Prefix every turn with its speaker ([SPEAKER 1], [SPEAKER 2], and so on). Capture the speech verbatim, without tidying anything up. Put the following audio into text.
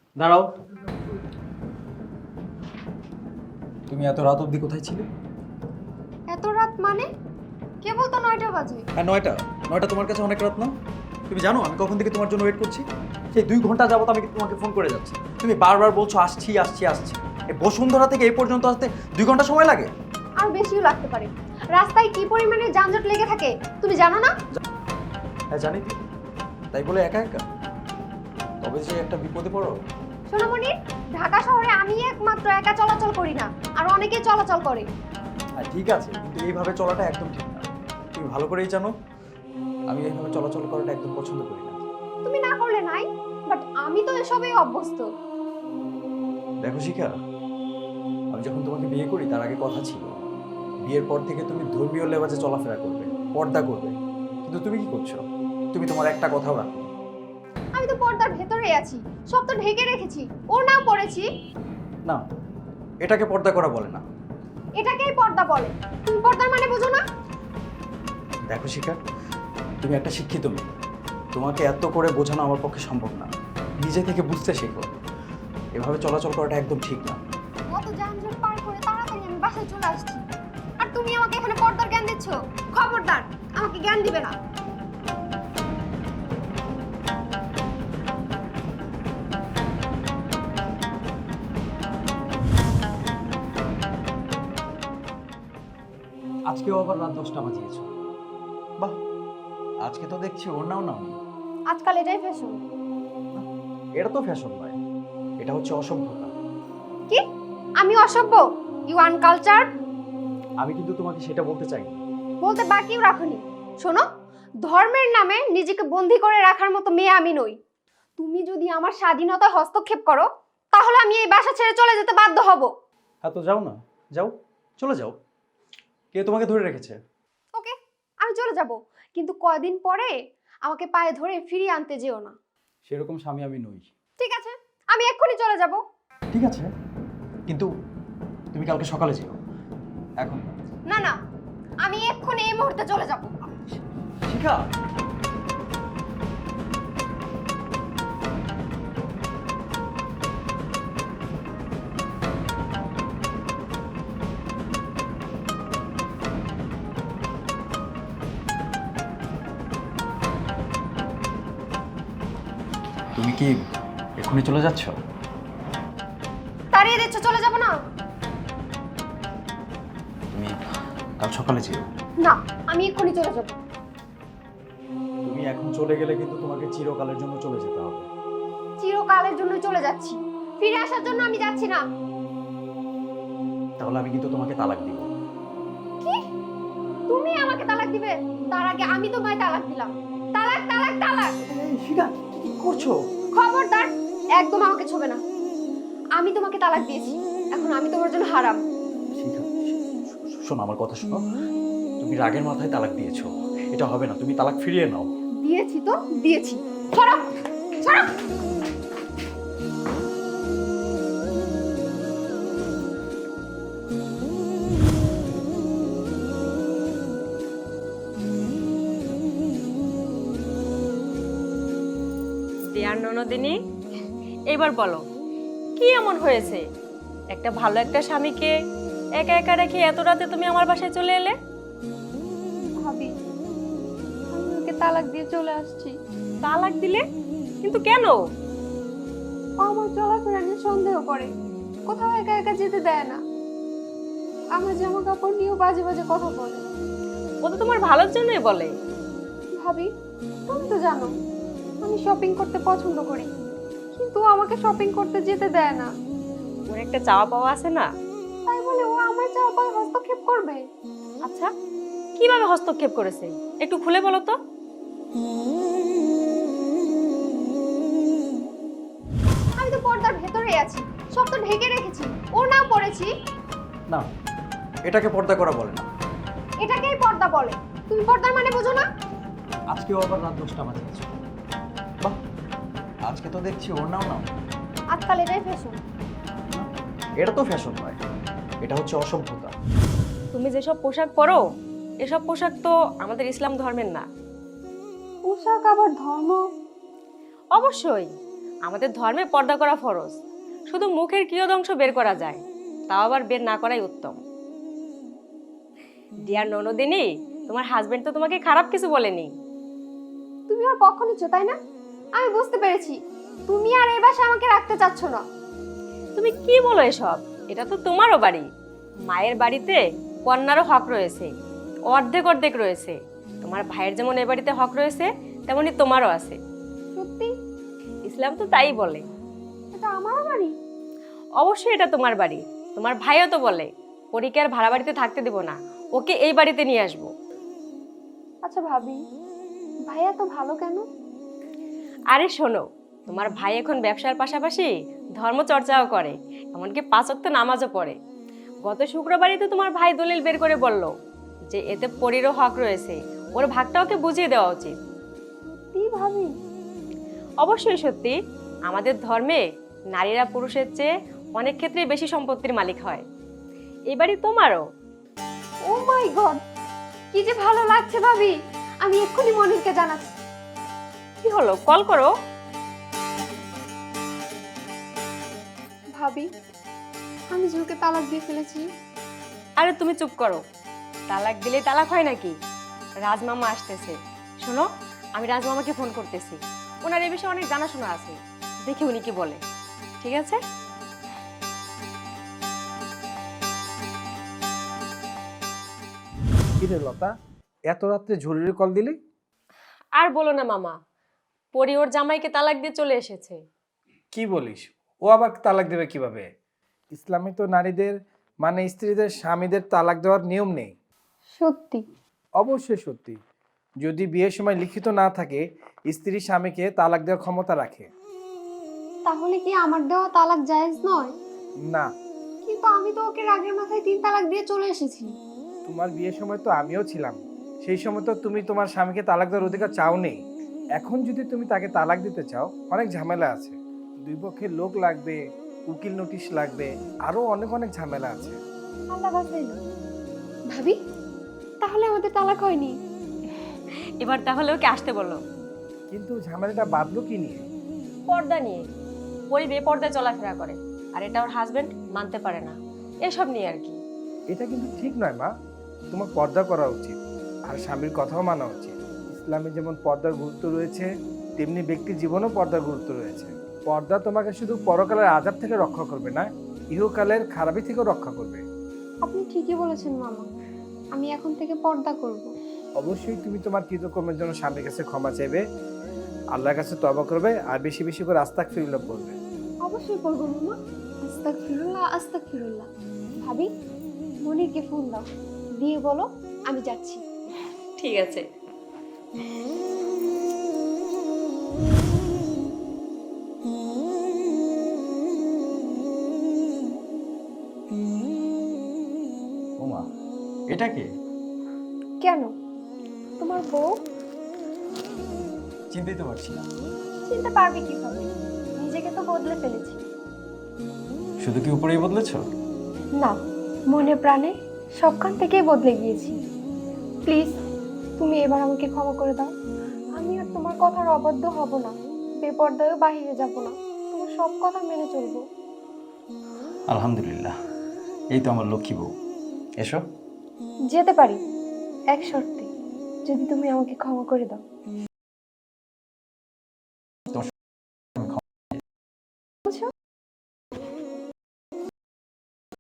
[SPEAKER 1] দাঁড়াও। তুমি এত রাত অবধি কোথায় ছিলে?
[SPEAKER 2] এত রাত মানে? কেবল তো নয়টা বাজে।
[SPEAKER 1] হ্যাঁ, নয়টা। নয়টা তোমার কাছে অনেক রাত না? তুমি জানো আমি কখন থেকে তোমার জন্য ওয়েট করছি? সেই দুই ঘন্টা যাবত আমি তোমাকে ফোন করে যাচ্ছি, তুমি বারবার বলছো আসছি আসছি আসছি। এই বসুন্ধরা থেকে এই পর্যন্ত আসতে দুই ঘন্টা সময় লাগে।
[SPEAKER 2] আর বেশিও লাগতে পারে। রাস্তায় কি পরিমাণে যানজট লেগে থাকে তুমি জানো না?
[SPEAKER 1] হ্যাঁ জানি তো, তাই বলে একা একা? তবে যে একটা বিপদে পড়ো।
[SPEAKER 2] সোনামণি, ঢাকা শহরে আমি একমাত্র একা চলাচল করি না, আর অনেকেই চলাচল করে।
[SPEAKER 1] হ্যাঁ ঠিক আছে, কিন্তু এইভাবে চলাটা একদম ঠিক না। তুমি ভালো করেই জানো আমি এইভাবে চলাচল করাটা একদম পছন্দ করি না।
[SPEAKER 2] তুমি না করলে নাই, বাট আমি তো এসবেই অভ্যস্ত।
[SPEAKER 1] দেখো শিখা, আমি যখন তোমাকে বিয়ে করি তার আগে কথা ছিল বিয়ের পর থেকে তুমি ধর্মীয় লেবাজে চলাফেরা করবে, পর্দা করবে। কিন্তু তুমি কি করছো? তুমি তোমার একটা কথাও রাখো।
[SPEAKER 2] আমি তো পর্দার ভেতরে আছি, সব তো ঢেকে রেখেছি। ওর নাম পড়েছি।
[SPEAKER 1] না, এটাকে পর্দা করা বলে না।
[SPEAKER 2] এটাকেই পর্দা বলে। তুমি পর্দার মানে বোঝো না?
[SPEAKER 1] দেখো শিখা, তুমি একটা শিক্ষিত মেয়ে, তোমাকে এত করে বোঝানো আমার পক্ষে সম্ভব না। নিজে থেকে বুঝতে শেখো, এভাবে চলাচল করাটা একদম ঠিক না।
[SPEAKER 2] কত যানজট পার করে তাড়াতাড়ি আমি বাসায় চলে আসছি, আর তুমি আমাকে এখানে পর্দার জ্ঞান দিচ্ছ? খবরদার, আমাকে জ্ঞান দিবে না।
[SPEAKER 1] আজকেও আবার রাত দশটা বাজিয়েছো। বাহ, আজকে তো দেখছি ওর নাও নাও।
[SPEAKER 2] আজকাল এটাই ফ্যাশন।
[SPEAKER 1] এটা তো ফ্যাশন নয়, এটা হচ্ছে অসভ্যতা।
[SPEAKER 2] কি? আমি অসভ্য? You uncultured?
[SPEAKER 1] আমি কিন্তু তোমাকে সেটা বলতে চাই না।
[SPEAKER 2] বলতে বাকিও রাখনি। শোনো, ধর্মের নামে নিজেকে বন্দী করে রাখার মতো মেয়ে আমি নই। তুমি যদি আমার স্বাধীনতায় হস্তক্ষেপ করো, তাহলে আমি এই বাসা ছেড়ে চলে যেতে বাধ্য হব।
[SPEAKER 1] হ্যাঁ তো যাও না, যাও, চলে যাও। কে তোমাকে ধরে রেখেছে?
[SPEAKER 2] ওকে, আমি চলে যাব, কিন্তু কয়দিন পরে আমাকে পায়ে ধরে ফিরিয়ে আনতে যেও না।
[SPEAKER 1] সেরকম স্বামী আমি নই।
[SPEAKER 2] ঠিক আছে, আমি এক্ষুনি চলে যাব।
[SPEAKER 1] ঠিক আছে, কিন্তু তুমি কালকে সকালে যেও, এখন না।
[SPEAKER 2] না না, আমি এক্ষুনি এই মুহূর্তে চলে যাব।
[SPEAKER 1] শিখা, তুমি কি এক্ষুনি চলে যাচ্ছ?
[SPEAKER 2] তাড়িয়ে দিচ্ছ, চলে যাব না?
[SPEAKER 1] তুমি কাল সকালে যেও।
[SPEAKER 2] না, আমি এক্ষুনি চলে যাব।
[SPEAKER 1] তুমি এখন চলে গেলে কিন্তু তোমাকে চিরকালের জন্য চলে যেতে হবে।
[SPEAKER 2] চিরকালের জন্য চলে যাচ্ছি, ফিরে আসার জন্য আমি যাচ্ছি না।
[SPEAKER 1] তাহলে আমি কিন্তু তোমাকে তালাক দিব।
[SPEAKER 2] কি? তুমি আমাকে তালাক দিবে? তার আগে আমি তোমায় তালাক দিলাম। তালাক তালাক তালাক।
[SPEAKER 1] শিখা, কি করছো?
[SPEAKER 2] খবরদার, একদম আমাকে ছোবে না। আমি তোমাকে তালাক দিয়েছি, এখন আমি তোমার জন্য হারাম।
[SPEAKER 1] শিখা, শোনো আমার কথা শোনো। তুমি রাগের মাথায় তালাক দিয়েছো, এটা হবে না। তুমি তালাক ফিরিয়ে নাও।
[SPEAKER 2] দিয়েছি তো দিয়েছি। সরো সরো।
[SPEAKER 3] ডিয়ার ননদিনী, এবার বলো কি এমন হয়েছে? একটা ভালো একটা স্বামীকে একা একা রেখে এত রাতে তুমি আমার বাসায় চলে এলে?
[SPEAKER 2] ভাবি, আমি ওকে তালাক দিয়ে চলে আসছি।
[SPEAKER 3] তালাক দিলে? কিন্তু কেন?
[SPEAKER 2] ও আমার চলাফেরা নিয়ে সন্দেহ করে, কোথাও একা একা যেতে দেয় না। আমার জামা কাপড় নিয়েও বাজে বাজে কথা বলে।
[SPEAKER 3] ও তো তোমার ভালোর জন্যই বলে।
[SPEAKER 2] ভাবি, তুমি তো জানো আমি শপিং করতে পছন্দ করি, কিন্তু ও আমাকে শপিং করতে যেতে দেয় না।
[SPEAKER 3] ওর একটা চাওয়া পাওয়া আছে না?
[SPEAKER 2] তাই বলে ও আমার চাওয়া পাওয়ায় হস্তক্ষেপ করবে?
[SPEAKER 3] আচ্ছা, কিভাবে হস্তক্ষেপ করেছে একটু খুলে বলো তো।
[SPEAKER 2] আমি তো পর্দার ভেতরে আছি, সব তো ঢেকে রেখেছি। ওর নাম পড়েছি।
[SPEAKER 1] না, এটাকে পর্দা করা বলে না।
[SPEAKER 2] এটাকেই পর্দা বলে। তুমি পর্দার মানে বোঝো না?
[SPEAKER 1] আজকেও আবার রাত দশটা বাজিয়েছো। বাহ, আজকে তো দেখছি ওর নাও নাও।
[SPEAKER 2] আজকাল এটাই ফ্যাশন।
[SPEAKER 1] এটা তো ফ্যাশন নয়, এটা হচ্ছে অসভ্যতা।
[SPEAKER 3] তুমি যেসব পোশাক পরো এসব পোশাক তো আমাদের ইসলাম ধর্মের না।
[SPEAKER 2] পোশাক আবার ধর্ম?
[SPEAKER 3] অবশ্যই, আমাদের ধর্মে পর্দা করা ফরজ। শুধু মুখের কিয়দংশ বের করা যায়, তাও আবার বের না করাই উত্তম। ডিয়ার ননদিনী, তোমার হাজবেন্ড তো তোমাকে খারাপ কিছু বলেনি।
[SPEAKER 2] তুমি আর পক্ষ নিচ্ছ তাই না? আমি বুঝতে পেরেছি তুমি আর এই বাসায় আমাকে রাখতে চাচ্ছ না।
[SPEAKER 3] তুমি কি বলো এসব? এটা তো তোমারও বাড়ি। মায়ের বাড়িতে কন্যারও হক রয়েছে, অর্ধেক অর্ধেক রয়েছে। তোমার ভাইয়ের যেমন এ বাড়িতে হক রয়েছে, তেমনি তোমারও আছে।
[SPEAKER 2] সত্যি?
[SPEAKER 3] ইসলাম তো তাই বলে।
[SPEAKER 2] এটা আমারও বাড়ি?
[SPEAKER 3] অবশ্যই এটা তোমার বাড়ি। তোমার ভাইও তো বলে পরীকে আর ভাড়া বাড়িতে থাকতে দেব না, ওকে এই বাড়িতে নিয়ে আসবো।
[SPEAKER 2] আচ্ছা ভাবি, ভাইয়া তো ভালো কেন?
[SPEAKER 3] আরে শোনো, তোমার ভাই এখন ব্যবসার পাশাপাশি ধর্মচর্চাও করে, এমনকি পাঁচ ওয়াক্ত নামাজও পড়ে। গত শুক্রবারই তো তোমার ভাই দলিল বের করে বলল যে এতে পরীরও হক রয়েছে, ওর ভাগটা ওকে বুঝিয়ে দেওয়া উচিত।
[SPEAKER 2] কি ভাবি?
[SPEAKER 3] অবশ্যই সত্যি। আমাদের ধর্মে নারীরা পুরুষের চেয়ে অনেক ক্ষেত্রেই বেশি সম্পত্তির মালিক হয়। এই বাড়ি তোমারও।
[SPEAKER 2] ও মাই গড, কি যে ভালো লাগছে ভাবি। আমি এক্ষুনি মনিরকে জানাচ্ছি।
[SPEAKER 3] কি হলো, কল করো।
[SPEAKER 2] ভাবি, আমি যে ওকে তালাক দিয়ে ফেলেছি।
[SPEAKER 3] আরে তুমি চুপ করো, তালাক দিলে তালাক হয় নাকি? রাজমামা আসতেছে, শোনো আমি রাজমামাকে ফোন করতেছি। ওনার এই বিষয়ে অনেক জানাশোনা আছে, দেখি উনি কি বলে। ঠিক আছে?
[SPEAKER 4] কিরে লতা, এত রাত্রে জরুরি কল দিলি?
[SPEAKER 3] আর বলো না মামা, পরি ওর জামাইকে তালাক দিয়ে চলে এসেছে।
[SPEAKER 4] কি বলিস? ও আবার তালাক দেবে কিভাবে? ইসলামে তো নারীদের মানে স্ত্রীদের স্বামীদের তালাক দেওয়ার নিয়ম নেই।
[SPEAKER 2] সত্যি?
[SPEAKER 4] অবশ্যই সত্যি। যদি বিয়ের সময় লিখিত না থাকে, স্ত্রী স্বামীকে তালাক দেওয়ার ক্ষমতা রাখে।
[SPEAKER 2] তাহলে কি আমার দেওয়া তালাক জায়েজ নয়?
[SPEAKER 4] না,
[SPEAKER 2] কিন্তু আমি তো ওকে রাগের মাথায় তিন তালাক দিয়ে চলে এসেছি।
[SPEAKER 4] তোমার বিয়ের সময় তো আমিও ছিলাম। সেই সময় তো তুমি তোমার স্বামীকে তালাক দেওয়ার অধিকার চাও নেই। এখন যদি তুমি তাকে তালাক দিতে চাও, অনেক ঝামেলা আছে। দুই পক্ষের লোক লাগবে, উকিল নোটিশ লাগবে, আরো অনেক অনেক ঝামেলা আছে।
[SPEAKER 2] আল্লাহ বাঁচাইলো। ভাবি, তাহলে আমাদের তালাক হয়নি?
[SPEAKER 3] এবার তাহলে ওকে আসতে বলো।
[SPEAKER 4] কিন্তু ঝামেলাটা বাঁধলো কি নিয়ে?
[SPEAKER 3] পর্দা নিয়ে। পরি বেপর্দায় চলাফেরা করে, আর এটা ওর হাজবেন্ড মানতে পারে না, এসব নিয়ে আর কি।
[SPEAKER 4] এটা কিন্তু ঠিক নয় মা। তোমার পর্দা করা উচিত, আর স্বামীর কথাও মানা উচিত। ইসলামে যেমন পর্দার গুরুত্ব রয়েছে, তেমনি ব্যক্তির জীবনেও পর্দার গুরুত্ব রয়েছে। পর্দা তোমাকে শুধু পরকালের আযাব থেকে রক্ষা করবে না, ইহকালের খারাপি থেকেও রক্ষা করবে।
[SPEAKER 2] আপনি ঠিকই বলেছেন মামা, আমি এখন থেকে পর্দা করব।
[SPEAKER 4] অবশ্যই তুমি তোমার কৃতকর্মের জন্য স্বামীর কাছে ক্ষমা চাইবে, আল্লাহর কাছে তওবা করবে, আর বেশি বেশি করে আস্তাগফিরুল্লাহ পড়বে।
[SPEAKER 2] অবশ্যই পড়বো মামা। আস্তাগফিরুল্লাহ আস্তাগফিরুল্লাহ। ভাবি, মনিরকে ফোন দাও, দিয়ে বলো আমি যাচ্ছি।
[SPEAKER 3] ঠিক আছে।
[SPEAKER 1] ওমা, এটা কে?
[SPEAKER 2] কেন, তোমার বউ?
[SPEAKER 1] চিনতেই তো পারছি না।
[SPEAKER 2] চিনতে পারবে কিভাবে? নিজেকে তো বদলে ফেলেছি।
[SPEAKER 1] শুধু কি উপরেই বদলেছ?
[SPEAKER 2] না, মনে প্রাণে সবখান থেকেই বদলে গিয়েছি। প্লিজ, তুমি এবার আমাকে ক্ষমা করে দাও। আমি আর তোমার কথার অবাধ্য হব না, বেপরদায়ও বাহিরে যাব না, তোমার সব কথা মেনে চলবো।
[SPEAKER 1] আলহামদুলিল্লাহ, এই তো আমার লক্ষ্মী বউ। এসো।
[SPEAKER 2] যেতে পারি, এক শর্তে, যদি তুমি আমাকে ক্ষমা করে দাও।
[SPEAKER 1] তোমার
[SPEAKER 2] বুঝছো?